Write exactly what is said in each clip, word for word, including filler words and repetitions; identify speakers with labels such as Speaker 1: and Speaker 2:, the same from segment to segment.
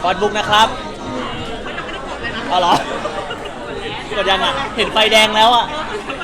Speaker 1: ฟอนบุ๊กนะครับเอาเหรอ กดยังอ่ะ เห็นไฟแดงแล้วอ่ะ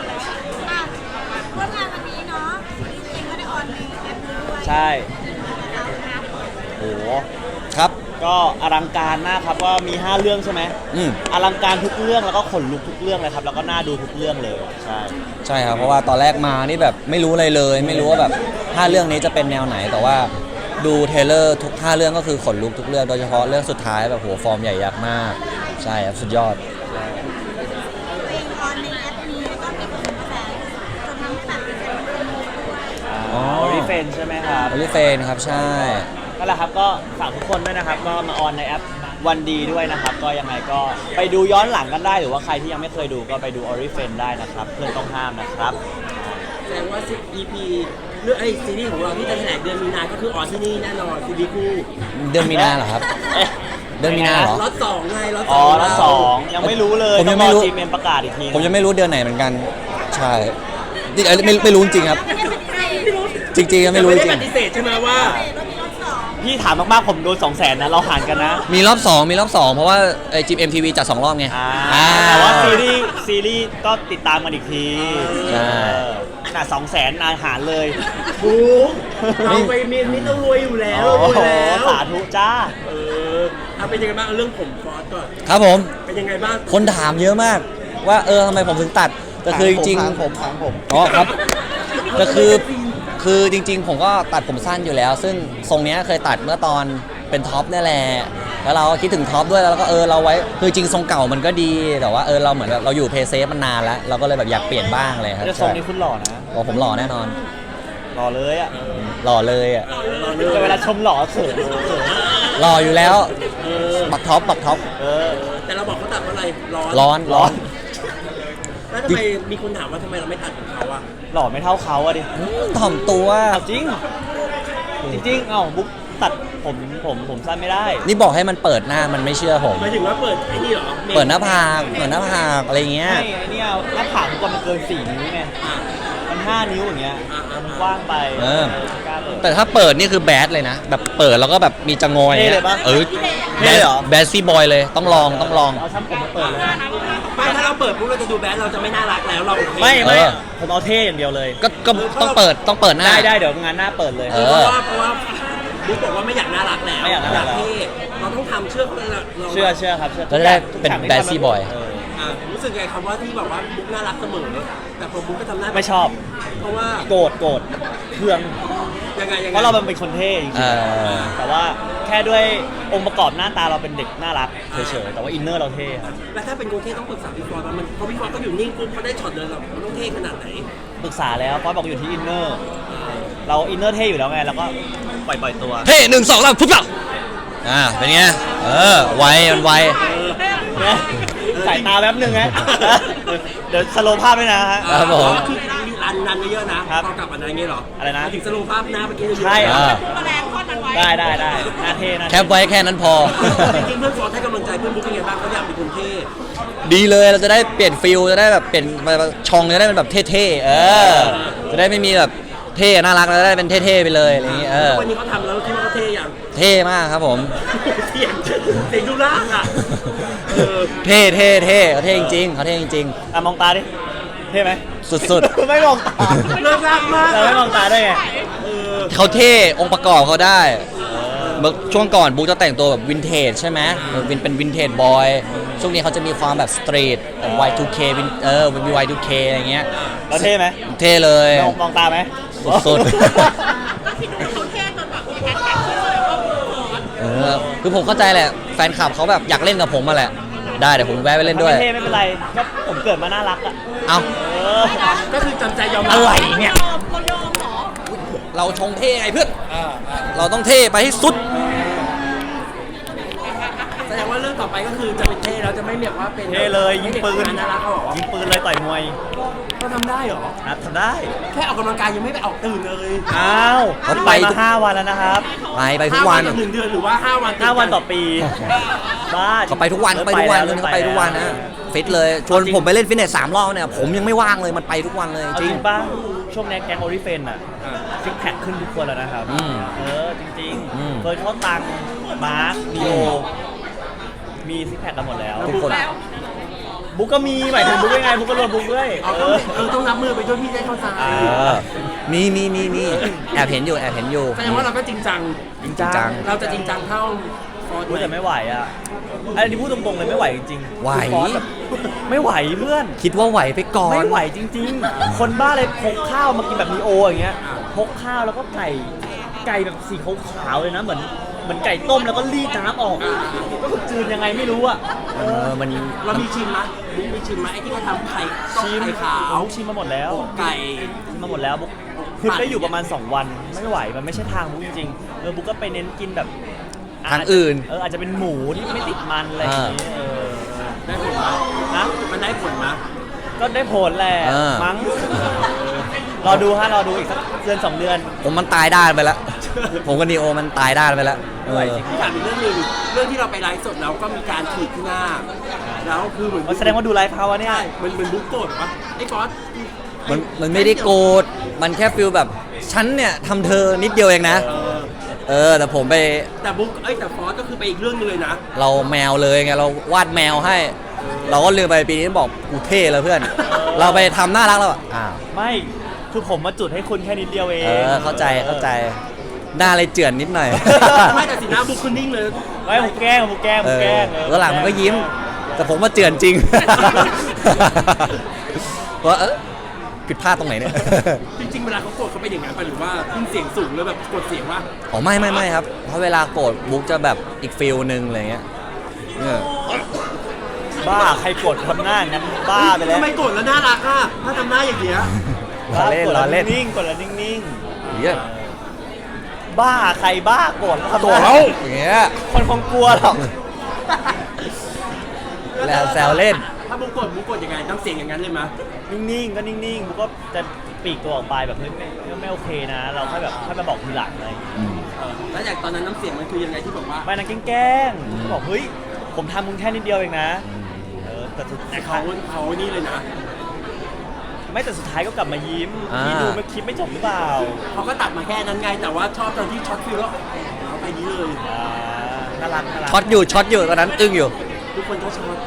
Speaker 2: ร่วมงานวันนี้เนาะจริงๆก็ได้ออนในแอปด้วย
Speaker 1: ใช่โอ้โห
Speaker 3: ครับ
Speaker 1: ก็อลังการมากครับว่ามีห้าเรื่องใช่ไหม
Speaker 3: อืม
Speaker 1: อลังการทุกเรื่องแล้วก็ขนลุกทุกเรื่องเลยครับแล้วก็น่าดูทุกเรื่องเลยใช่
Speaker 3: ใช่ครับเพราะว่าตอนแรกมานี่แบบไม่รู้อะไรเลย ไม่รู้ว่าแบบห้าเรื่องนี้จะเป็นแนวไหนแต่ว่าดูเทรลเลอร์ทุกห้าเรื่องก็คือขนลุกทุกเรื่องโดยเฉพาะเรื่องสุดท้ายแบบโหฟอร์มใหญ่ยักษ์มากใช่ครับสุดยอด
Speaker 2: เพลงออนในแอปนี้ก็มีผลกระแสจนทำให้แบบเป็นเป็นเป็นด้วย
Speaker 1: อ๋อรีเฟนใช่ไหมครับ
Speaker 3: โอลิเฟนครับใช่
Speaker 1: นั่นแหละครับก็ฝากทุกคนด้วยนะครับก็มาออนในแอปวันดีด้วยนะครับก็ยังไงก็ไปดูย้อนหลังกันได้หรือว่าใครที่ยังไม่เคยดูก็ไปดู Oriflame ได้นะครับเพื่อนต้องห้ามนะครับ
Speaker 4: แสดงว่า อี พี เรื่องไอ้ซีรีส์ของเราที่จะแถลงเดือนมีนาก็คือออนที่นี่แน่นอนซีรีส์คู่
Speaker 3: เดือนมีนาเหรอครับ
Speaker 1: เอ๊ะ
Speaker 3: เดือนมีนาเหรอ
Speaker 4: ล็อตสองไงล็อตส
Speaker 1: อ๋
Speaker 4: อ
Speaker 1: อง แล้วสองยังไม่รู้เลย
Speaker 3: ผม
Speaker 1: ต้
Speaker 3: ยั
Speaker 1: อง
Speaker 3: งไม่
Speaker 1: ร
Speaker 3: รู้
Speaker 1: อจีเมนประกาศอีกที
Speaker 3: ผมยังไม่รู้เดือนไหนเหมือนกัน ใช่นี่เอ้ยไม่ไม่รู้จริงครับ จริงๆก็ไม่รู้จ
Speaker 4: ไม่
Speaker 3: ริ
Speaker 4: ได้
Speaker 3: ง
Speaker 4: ปฏิเสธใช่ไหมว่า
Speaker 2: รถมีรถสอง
Speaker 1: พี่ถามมากๆผมโดนสองแสนนะเราหารกันนะ
Speaker 3: มีรอบสองมีรอบสองเพราะว่าไอจิมเอ็มทีวีจัดสองรอบไง
Speaker 1: อ่า
Speaker 3: อ่า
Speaker 1: แต่ว่าซีรีส์ซีรีส์ก็ติดตามกันอีกที
Speaker 3: ใช่
Speaker 1: เออน่ะสองแสนอาหารเลย
Speaker 4: บูเราไปเมียนมิตรเรารวยอยู่แล้ว
Speaker 1: โอ้
Speaker 4: รวย
Speaker 1: โห
Speaker 4: แล้ว
Speaker 1: สาธุจ้า
Speaker 4: เออเอาเป็นยังไงบ้างเอาเรื่องผมฟอสก่อน
Speaker 3: ครับผม
Speaker 4: เป็นยังไงบ้าง
Speaker 3: คนถามเยอะมาก ว่าเออทำไมผมถึงตัดแต่คือจริง
Speaker 1: ถามผมถามผม
Speaker 3: ๆอ๋อครับก็คือคือจริง ๆ ผมก็ตัดผมสั้นอยู่แล้ว ซึ่งทรงเนี้ยเคยตัดเมื่อตอนเป็นท็อปนี่แหละแล้วเราก็คิดถึงท็อปด้วยแล้วก็เออเราไว้คือจริงทรงเก่ามันก็ดีแต่ว่าเออเราเหมือนแบบเราอยู่เพย์เซฟมันนานแล้วเราก็เลยแบบอยากเปลี่ยนบ้างเลยครับ
Speaker 1: จะทรงนี้คุณหล่อนะ
Speaker 3: บอกผมหล่อแน่นอน
Speaker 1: หล่อเลยอ่ะ
Speaker 3: หล่อเลยอ่ะ
Speaker 1: แต่เวลาชมหล่อเขินเขิน
Speaker 3: หล่ออยู่แล้วปักท็อปปักท็อป
Speaker 1: เออ
Speaker 4: แต่เราบอกเขาตัดเพราะอะไรร้อน
Speaker 3: ร้อนร้อน
Speaker 4: แล้วทำไมมีคนถามว่าทำไมเราไม่ตัดของเขาอะ
Speaker 1: หล่อไม่เท่าเขาอะดิ
Speaker 3: ถ่อมตัว
Speaker 1: เอาจริง จริงๆเอ้าบุ๊กตัดผมผมผมสั้นไม่ได้
Speaker 3: นี่บอกให้มันเปิดหน้ามันไม่เชื่อผม
Speaker 4: หมายถึงว่าเปิดไอ้นี่เหรอ
Speaker 3: เปิดหน้าผากเปิดหน้าผากอะไรเงี้ย
Speaker 1: ไม่ไอ้เนี่ยหน้าผากก่อนมันเกินสี่นิ้วไง
Speaker 4: อ่ะ
Speaker 1: มันห้านิ้วอย่างเงี้ย
Speaker 4: อ่าอ่า
Speaker 1: มันกว้างไป
Speaker 3: เออ
Speaker 1: ไม่กล้าเปิด
Speaker 3: แต่ถ้าเปิดนี่คือแบดเลยนะ แบบเปิดแล้วก็แบบมีจะงอย
Speaker 1: เท่เลยปะ
Speaker 3: เออ
Speaker 1: เท่เลยเหรอ
Speaker 3: แบดซี่บอยเลยต้องลองต้องลอง
Speaker 1: เอาช่างผมมาเปิดเลย
Speaker 4: ไม่ถ้าเราเปิดปุ๊บเราจะดูแบดเราจะไม่น่ารักแล้วเราโอเค
Speaker 1: ไม่ไม่
Speaker 3: เออ
Speaker 1: ผมเอาเท่อย่างเดียวเลย
Speaker 3: ก็ก็ต้องเปิดต้องเปิดหน้า
Speaker 1: ได้ได้เดี๋ยวงานหน้าเปิดเลย
Speaker 3: เอ
Speaker 4: เพ
Speaker 3: อ
Speaker 4: ราะว่าเพราะว่าบุ๊กบอกว่าไม่อยากน่ารักแล้ว
Speaker 1: ไม่อยากน่ารักแล้ว
Speaker 4: เท่เราต้องทำเชื่อเขาเลยเรา
Speaker 1: เชื่อเชื่อครับเชื่อ
Speaker 3: แล้วจะได้
Speaker 1: ทุก
Speaker 3: เป็น
Speaker 1: ฉากที่
Speaker 3: แบด
Speaker 1: ทำ
Speaker 3: ซี่บอย
Speaker 1: เ
Speaker 4: อ่ะรู้สึกไงคำว่าที่บอกว่าบุ๊กน่ารักเสมอแต่พอบุ๊กก็ทำหน้า
Speaker 1: ไม่ชอบ
Speaker 4: เพราะว่า
Speaker 1: โกรธโกรธเคือง
Speaker 4: ยังไงยังไง
Speaker 1: เพราะเราเป็นคนเท่จริง
Speaker 3: เออ
Speaker 1: ๆแต่ว่าแค่ด้วยองค์ประกอบหน้าตาเราเป็นเด็กน่ารักเฉยๆแต่ว่าอินเนอร์เราเท่ครับ
Speaker 4: แล้วถ้าเป็นกรุงเทพต้องปรึกษาพี่ฟอร์ดมันเพราะพี่ฟอร์ดก็อยู่นิ่งปุ๊บเขาได้ช็อตเลยเรามันต้องเท่ขนาดไหน
Speaker 1: ปรึกษาแล้วเพราะบอกอยู่ที่อินเนอร์เราอินเนอร์เท่อยู่แล้วไงแล้วก็ปล่อยปล่อยตัว
Speaker 3: เฮ้หนึ่งสองสามปุ๊บเปล่าอ่าเป็นไงเออไวมันไว
Speaker 1: เนี่ยสายตาแป๊บนึงนะเดี๋ยวสโลว์ภาพด้วยนะฮะ
Speaker 3: ครับผม
Speaker 4: คือรันรันเยอะๆนะครับ พอกลับอันนั้นเงี้ยเหรอ
Speaker 1: อะไรนะ
Speaker 4: ถึงสโลว์ภาพหน้าเมื่อกี้
Speaker 1: ใช่
Speaker 3: อ่า
Speaker 2: แรงทอดมันไว้
Speaker 1: ได้ได้ได้หน้าเท่หน้า
Speaker 3: แค
Speaker 1: เท่
Speaker 3: ปไว้แค่นั้นพอ
Speaker 4: จริงๆเพื่อนฟอร์ดให้กำลังใจเพื่อนบุ๊กยังไงบ้างเขาอยากเป็นคนเท่
Speaker 3: ดีเลยเราจะได้เปลี่ยนฟิลจะได้แบบเปลี่ยนชองจะได้เป็นแบบเท่ๆเออจะได้ไม่มีแบบเท่น่ารักเราจะได้เป็นเท่ๆไปเลยอะไรอย่างงี้เออ
Speaker 4: วันนี้เขาทำแล้วคิดว่าเขาเท่อย่าง
Speaker 3: เท่มากครับผม
Speaker 4: เสียงเสียงดูล่างอ่ะเออ
Speaker 3: เท่เท่เท่เขาเท่จริงๆเขาเท่จริง
Speaker 1: อ่ะมองตาดิเท่ไหม
Speaker 3: ๆ สุด
Speaker 1: ไม่มองตา
Speaker 4: เลิกลากมาก
Speaker 1: เราไม่มองตาได้ไง
Speaker 4: เออ
Speaker 3: ๆเขาเท่องค์ประกอบเขาได้เมื่อช่วงก่อนบุ๊กจะแต่งตัวแบบวินเทจใช่ไหมเออวินเป็นวินเทจบอยช่วงนี้เขาจะมีความแบบสตรีทแบบ วาย ทู เค วินเออมี วาย ทู เค อะไรเงี้ย
Speaker 1: เราเท่ไหม
Speaker 3: เท่เลย
Speaker 1: มองมองตาไหม
Speaker 3: สุดๆ
Speaker 2: ก็คิดดูเขาเท่จนแบบมีแฮชแท็กขึ้นมาเลยว่าฟอส
Speaker 3: เออคือผมเข้าใจแหละแฟนคลับเขาแบบอยากเล่นกับผมมาแหละได้เดี๋ยวผมแวะไปเล่นด้วย
Speaker 1: ไม่เท่ไม่เป็นไรก็ผมเกิดมาน่ารักอ่ะ
Speaker 3: เอา
Speaker 1: เออ
Speaker 4: ก็คือจำใจยอมรับ
Speaker 3: อะไรเนี่ย
Speaker 2: ยอมเขายอมเหรอ
Speaker 3: เราชงเท่ไงเพื่อนเราต้องเท่ไปให้สุด
Speaker 4: แสดงว่าเรื่องต่อไปก็คือจะเป็นเท่แล้วจะไม่แบบว่าเป็น
Speaker 1: เท่เลยยิงปืน
Speaker 4: น่ารักเขาเหรอ
Speaker 1: ยิงปืนเลยต่อยมวย
Speaker 4: เขาทำได้เหรอ
Speaker 1: นะทำได้
Speaker 4: แค่ออกกำลังกายยังไม่ไปออกตื่นเลย
Speaker 1: อ้าว
Speaker 3: เขา
Speaker 1: ไป
Speaker 3: ไป
Speaker 1: มา
Speaker 3: ทุก
Speaker 1: ห้าวันแล้วนะครับ
Speaker 3: ไปไปทุกวัน
Speaker 4: ห้าต่อหนึ่งเดือนหรือว่าห้าวันติด
Speaker 1: ห้าวันต่อ
Speaker 4: กั
Speaker 1: ปีบ้า
Speaker 3: เขาไปทุกวันเขาไปทุกวันเรื่องนี้เขาไปทุกวันนะฟิตเลยชวนผมไปเล่นฟิตเนสสามรอบเนี่ยผมยังไม่ว่างเลยมันไปทุกวันเลย
Speaker 1: เอา
Speaker 3: จ
Speaker 1: จ
Speaker 3: ริ
Speaker 1: ริ
Speaker 3: ง
Speaker 1: งป่ะช่วงนี้แก๊งโอริเฟนอ่ะซิกแพคขึ้นทุกคนแล้วนะครับ
Speaker 3: อืม
Speaker 1: เออจริง
Speaker 3: อืม
Speaker 1: ๆเฟิร์สเขาตังมาร์คดีโอมีซิกแพคกันหมดแล้ว
Speaker 3: ทุกคน
Speaker 1: บุ๊กก็มีหมายถึงบุ๊กยังไงบุ๊กก็รวมบุ๊กด้วย
Speaker 4: เอา
Speaker 1: เอ
Speaker 4: ต้อง
Speaker 1: อ
Speaker 4: เออต้องรับมือไปช่วยพี่ได้เข้าใจ
Speaker 1: อ่า
Speaker 3: เออมีมีมีมีแอบเห็นอยู่แอบเห็นอยู่
Speaker 4: แสดงว่าเราก็จริงจัง
Speaker 1: จริง
Speaker 3: จริงจั
Speaker 1: จั
Speaker 3: ง
Speaker 1: ง
Speaker 4: เราจะจริงจังเท่าฟอร์ด
Speaker 1: พูดแต่ไม่ไหวอ่ะอันนี้พูดตรงๆเลยไม่ไหวจริงๆ
Speaker 3: ไหว
Speaker 1: คือฟอสแบบไม่ไหวเพื่อน
Speaker 3: คิดว่าไหวไปก่อน
Speaker 1: ไม่ไหวจริง ๆ คนบ้าเลยพกข้าวมากินแบบมีโออย่างเงี้ยพกข้าวแล้วก็ไก่ไก่แบบสีขาวๆเลยนะเหมือนเหมือนไก่ต้มแล้วก็รีดน้ำออกก็คือจืดยังไงไม่รู้อ่ะ
Speaker 3: เออมัน
Speaker 4: เรามีชิมไหมบุ๊กมีชิมไหมไอ้ที่เขาทำไข่ต้ม
Speaker 1: ชิม
Speaker 4: ไข่ขาว
Speaker 1: บุ๊กชิมมาหมดแล้ว
Speaker 4: ไก่
Speaker 1: ชิมมาหมดแล้วบุ๊กคือได้อยู่ประมาณสองวันไม่ไหวมันไม่ใช่ทางบุ๊กจริงๆเออบุ๊กก็ไปเน้นกินแบบ
Speaker 3: ทางอื่น
Speaker 1: เอออาจจะเป็นหมูที่ไม่ติดมันอะไรอย่างงี้เออ
Speaker 4: ได้ผลไหม
Speaker 1: นะ
Speaker 4: มันได้ผลไหม
Speaker 1: ก็ได้ผลแหละ
Speaker 3: เออ
Speaker 1: มั้งรอดูฮะรอดูอีกสักเดือนสองเดือน
Speaker 3: ผมมันตายด้านไปแล้ว ผมกับนีโอมันตายด้านไปแล้วเอ
Speaker 1: ไม่ไหว
Speaker 3: อ
Speaker 1: จริง
Speaker 4: พี่ถามอีกเรื่องหนึ่งเรื่องที่เราไปไลฟ์สดแล้วก็มีการขีดที่หน้า แล้วคือเหมือน
Speaker 1: อ๋อแสดงว่าดูไลฟ์เขาวะเนี่ย
Speaker 4: ใช่มันมันบุ๊กโกรธปะไอ้ฟอส
Speaker 3: มันมันไม่ได้โกรธมันแค่ฟิลแบบฉันเนี่ยทำเธอนิดเดียวเองนะ
Speaker 4: เออ
Speaker 3: เออแต่ผมไป
Speaker 4: แต่บุ๊กเอ้ยแต่ฟอสก็คือไปอีกเรื่องหนึงเลยนะ
Speaker 3: เราแมวเลยไงเราวาดแมวให้ เราก็ลืมไปปีนี้บอกกูเท่เลยเพื่อน เราไปทำน่ารักแล้วอะอ้าว
Speaker 1: ไม่คือผมมาจุดให้คุณแค่นิดเดียวเอง
Speaker 3: เออเข้าใจเข้าใจหน้าเลยเจือนนิดหน่อย
Speaker 4: ไม่แต่สีหน้าบุ๊กคือนิ่งเลย
Speaker 1: ไม่ผมแกล้งผมแกล้งผ
Speaker 3: เอ
Speaker 1: ม
Speaker 3: อ
Speaker 1: แกล้งเออ
Speaker 3: แล้วหลังมันก็ยิ้ม แต่ผมมาเจือนจริง ว่าเออผิดพลาดตรงไหนเนี่ย
Speaker 4: จริงๆเวลาเขาโกรธเขาเป็นอย่างนั้นปะหรือว่าขึ้นเสียงสูงแล้วแบบกดเสียงว่า
Speaker 3: อ๋อไม่ไม่ไม่ครับ เพราะเวลาโกรธบุ๊กจะแบบอีกฟิลหนึ่งอะไรเงี้ยเออ
Speaker 1: บ้าใครกดทำหน้างั้นบ้าไปแล้ว
Speaker 4: ทำไมโกรธแล้วน่ารักอ่ะถ้าทำหน้าอย่างเงี้ย
Speaker 3: ล้อเล่น
Speaker 1: กด
Speaker 3: ล้อ
Speaker 1: แล้ว
Speaker 3: เล่น
Speaker 1: นิ่งๆกดแล้วนิ่ง
Speaker 3: เหี้ย
Speaker 1: ๆบ้าใครบ้าโกรธแล้วทำ
Speaker 3: โกรธแล้วอย่างเงี้ย
Speaker 1: คนคงกลัวหรอก
Speaker 3: แล้วแซวเล่น
Speaker 4: ถ้าบุ๊กโกรธบุ๊กโกรธยังไงต้องเสียงอย่างนั้นเลยมั้ย
Speaker 1: นิ่งๆก็นิ่งๆบุ๊กก็จะปลีกตัวออกไปแบบเฮ้ยไม่ไม่ไม่โอเคนะ เราค่อยแบบค่อยมาบอกทีหลังอะไรอย่างเงี้ย
Speaker 4: แล้วจากตอนนั้นน้ำเสียงมันคือยังไงที่บอกว่า
Speaker 1: ไม่นะแกล้งๆบอกเฮ้ยผมทำมึงแค่นิดเดียวเองนะเออแต่สุด
Speaker 4: แต่
Speaker 1: ท้า
Speaker 4: เขา
Speaker 1: ย
Speaker 4: เขานี่เลยนะ
Speaker 1: ไม่แต่สุดท้ายก็กลับมายิ้ม
Speaker 3: อ่า
Speaker 1: พี่ดูไม่คลิปไม่จบหรือเปล่า
Speaker 4: เขาก็ตัดมาแค่นั้นไง แต่ว่าชอบตอนที่ช็อตฟิลแล้วเอาไปนี้เลย
Speaker 1: อ่าน่ารักน่ารัก
Speaker 3: ช็อตอยู่ช็อตอยู่ตอนนั้นอึ้งอยู่
Speaker 4: ทุกคนก็ช็อต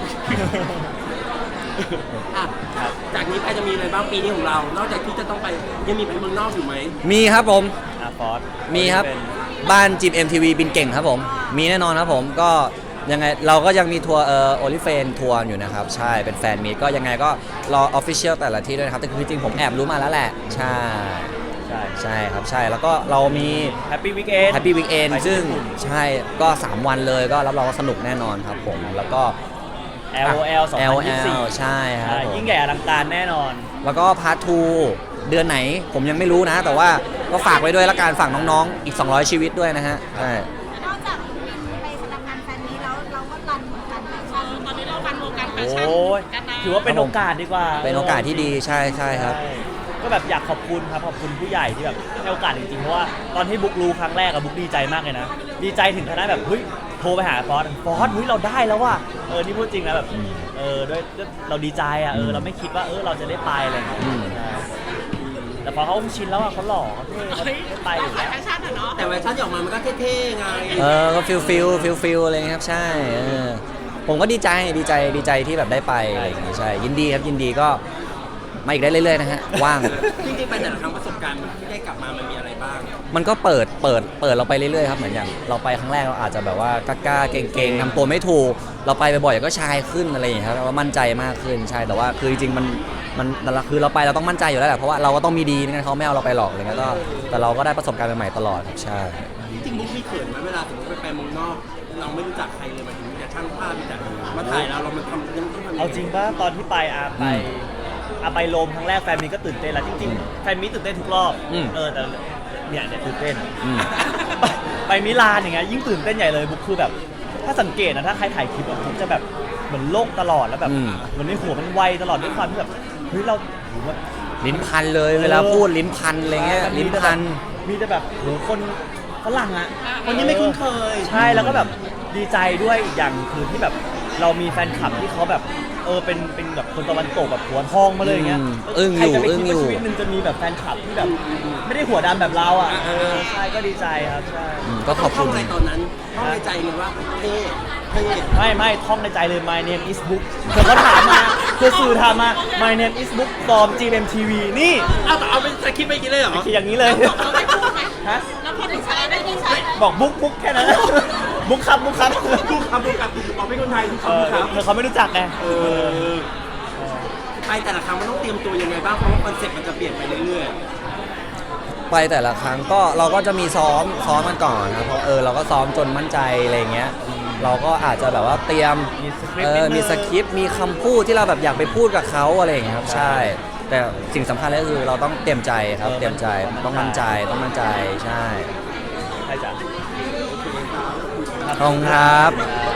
Speaker 4: อ่ะจากนี้ไปจะมีอะไรบ้างปีนี้ของเรา นอกจากที่จะต้องไปยังมีไปเมืองนอกอยู่ไหม
Speaker 3: มีครับผม
Speaker 1: อ่ะฟอส
Speaker 3: มีครับ
Speaker 1: เป็น
Speaker 3: บ้านจิม เอ็ม ที วี บินเก่งครับผม มีแน่นอนครับผมก็ยังไงเราก็ยังมีทัวร์เอ่อโอลิเฟนทัวร์อยู่นะครับ ใช่เป็นแฟนมีตก็ยังไงก็รอออฟฟิเชียลแต่ละที่ด้วยนะครับ แต่คือจริงๆผมแอบรู้มาแล้วแหละ ใช่
Speaker 1: ใช่
Speaker 3: ใช่ครับใช่แล้วก็เรามี
Speaker 1: แฮปปี้วีคเอน
Speaker 3: Happy Weekend ซึ่งใช่ก็ สาม วันเลยก็รับรองว่าสนุกแน่นอนครับผม แล้วก็
Speaker 1: แอล โอ แอล สองพันยี่สิบสี่
Speaker 3: แอล โอ แอล ใช่ครับ
Speaker 1: ใช่
Speaker 3: ผม
Speaker 1: ยิ่งใหญ่อลังการแน่นอน
Speaker 3: แล้วก็พาร์ททูเดือนไหนผมยังไม่รู้นะ แต่ว่าก็ฝากไว้ด้วยละกันฝากน้องๆ อีก สองร้อย ชีวิตด้วยนะฮะใช่
Speaker 2: นอกจากบินไปแสดงงานแฟนนี้แล้วเราก็รันวงการแฟชั่นตอนนี้เรารันวงการแฟ
Speaker 1: โอ้
Speaker 2: ชั่น
Speaker 1: ยถือว่าเป็นโอกาสดีกว่า
Speaker 3: เป็นโอกาสที่ดีใช่ใช่ครับ
Speaker 1: ใช่ก็แบบอยากขอบคุณครับขอบคุณผู้ใหญ่ที่แบบให้โอกาสจริงๆเพราะว่าตอนที่บุ๊กรู้ครั้งแรกอะบุ๊กดีใจมากเลยนะ ดีใจถึงขนาดแบบเฮ้ยโทรไปหาฟอสฟอสเฮ้ยเราได้แล้วว่ะเออนี่พูดจริงนะแบบเออด้วยด้วยเราดีใจอะเออเราไม่คิดว่าเออเราจะได้ไปอะไรอย่างเงี้ย
Speaker 3: อืม
Speaker 1: ใช่แต่พอเขาชินแล้วอะเขาหล่อเขาเท่เขาได้ไปอยู่แล้ว
Speaker 4: แต่เวอร์ชันที่ออกมามันก็เท่ๆไง
Speaker 3: เออก็ฟิลฟิลฟิลฟิลอะไรเงี้ยครับใช่เออผมก็ดีใจดีใจดีใจที่แบบได้ไปอะไรอย่างงี้ใช่ยินดีครับยินดีก็มาอีกได้เรื่อยๆนะฮะว่าง
Speaker 4: จริงๆไปแต่ละครั้งประสบการณ์ที่ได้กลับมามันมีอะไรบ้าง
Speaker 3: มันก็เปิดเปิดเปิดเราไปเรื่อยๆครับเหมือนอย่างเราไปครั้งแรกเราอาจจะแบบว่ากล้าๆเก่งๆทำตัวไม่ถูกเราไปบ่อยๆก็ชายขึ้นอะไรอย่างเงี้ยครับว่ามั่นใจมากขึ้นใช่แต่ว่าคือจริงๆมันมันคือเราไปเราต้องมั่นใจอยู่แล้วแหละเพราะว่าเราก็ต้องมีดีไม่งั้นเขาไม่เอาเราไปหรอกอะไรเงี้ยก็แต่เราก็ได้ประสบการณ์ใหม่ๆตลอดครับใช่
Speaker 4: จริงๆบุ๊กมีเขินไหมเวลาสมมติไปไปเมืองนอก เราไม่รู้จักใครเลยหมายถึงมีแต่ช่างภาพมีแต่มาถ่ายเราเรามันทำยังต้องทำยังไง
Speaker 1: เอาจริงป่ะตอนที่ไปอาไปอาไปโรมครั้งแรกแฟนมีก็ตื่นเต้นแล้วจริงๆแฟนมีตื่นเต้นทุกรอบ
Speaker 3: อืม
Speaker 1: เออแต่เนี่ยเนี่ยตื่นเต้น
Speaker 3: อืม
Speaker 1: ไปไปมิลานอย่างเงี้ยยิ่งตื่นเต้นใหญ่เลยบุ๊คคือแบบ ถ้าสังเกตนะถ้าใครถ่ายคลิปอะบุ๊คจะแบบเหมือนโลกตลอดแล้วแบบ
Speaker 3: อืม
Speaker 1: เหมือนในหัวมันไวตลอดด้วยความที่แบบเฮ้ยเราโหแบบ
Speaker 3: ลิ้นพันเลยเวลาพูดลิ้นพันอะไรเงี้ยลิ้นพัน
Speaker 1: มีแต่แบบโหคนฝรั่งอ่ะ
Speaker 4: คนนี้ไม่คุ้นเคย
Speaker 1: ใช่แล้วก็แบบดีใจด้วยอีกอย่างคือที่แบบเรามีแฟนคลับที่เขาแบบเออเป็นเป็นแบบคนตะวันตกแบบหัวทองมาเลยอย่างเงี้ย
Speaker 3: อืมอึ้งอยู่
Speaker 1: ใครจะไป
Speaker 3: อึ้ง
Speaker 1: คิด
Speaker 3: อยู่
Speaker 1: ว่าชีวิตหนึงจะมีแบบแฟนคลับที่แบบไม่ได้หัวดำแบบเราอ่ะเออใช่ก็ดีใจครับใช่
Speaker 3: อืมก็ขอบ
Speaker 4: ท่
Speaker 3: คุ
Speaker 4: อง
Speaker 3: ณ
Speaker 4: อะไรตอนนั้นท่องในใจเลยว่าเท่
Speaker 1: ไม่ไม่ท่องในใจเลย my name is book เธอก็ถามมาเธอสื่อถามมา my name is book from จี เอ็ม ที วี นี่
Speaker 4: อ้าวแต่เอาเป็นสคริปต์ไม่กินเลยเหรอ
Speaker 1: คืออย่างนี้เลย
Speaker 2: เราได้พูดไหม
Speaker 1: ฮะ
Speaker 2: เราพอได้ใช้ได้ใช้
Speaker 1: บอกบุ๊กบุ๊กแค่นั้น บุ๊กครับบุ๊กครับ
Speaker 4: ทุกคำทุกคำเอาเป็นคนไทยทุก
Speaker 1: เออ
Speaker 4: คำทุกคำ
Speaker 1: เธอเขาไม่รู้จักไง
Speaker 4: เออไปแต่ละครั้งมันต้องเตรียมตัวยังไงบ้างเพราะว่าคอนเซ็ปต์มันจะเปลี่ยนไปเรื่อย
Speaker 3: ไปแต่ละครั้งก็เราก็จะมีซ้อมซ้อมกันก่อนนะเพราะเออเราก็ซ้อมจนมั่นใจอะไรเงี้ยเราก็อาจจะแบบว่าเตรียม
Speaker 1: มีสคริป
Speaker 3: เอ
Speaker 1: ต์นิ
Speaker 3: อ
Speaker 1: ดนึง
Speaker 3: มีสคริปต์มีคำพูดที่เราแบบอยากไปพูดกับเขาอะไรอย่างเงี้ยครับใช่ แต่สิ่งสำคัญเลยก็คือเราต้องเตรียมใจครับเตรียมใจต้องมั่นใจต้องมั่นใจใช่
Speaker 1: ใช่จ้ะ
Speaker 3: ขอบคุณครับ
Speaker 1: ครับ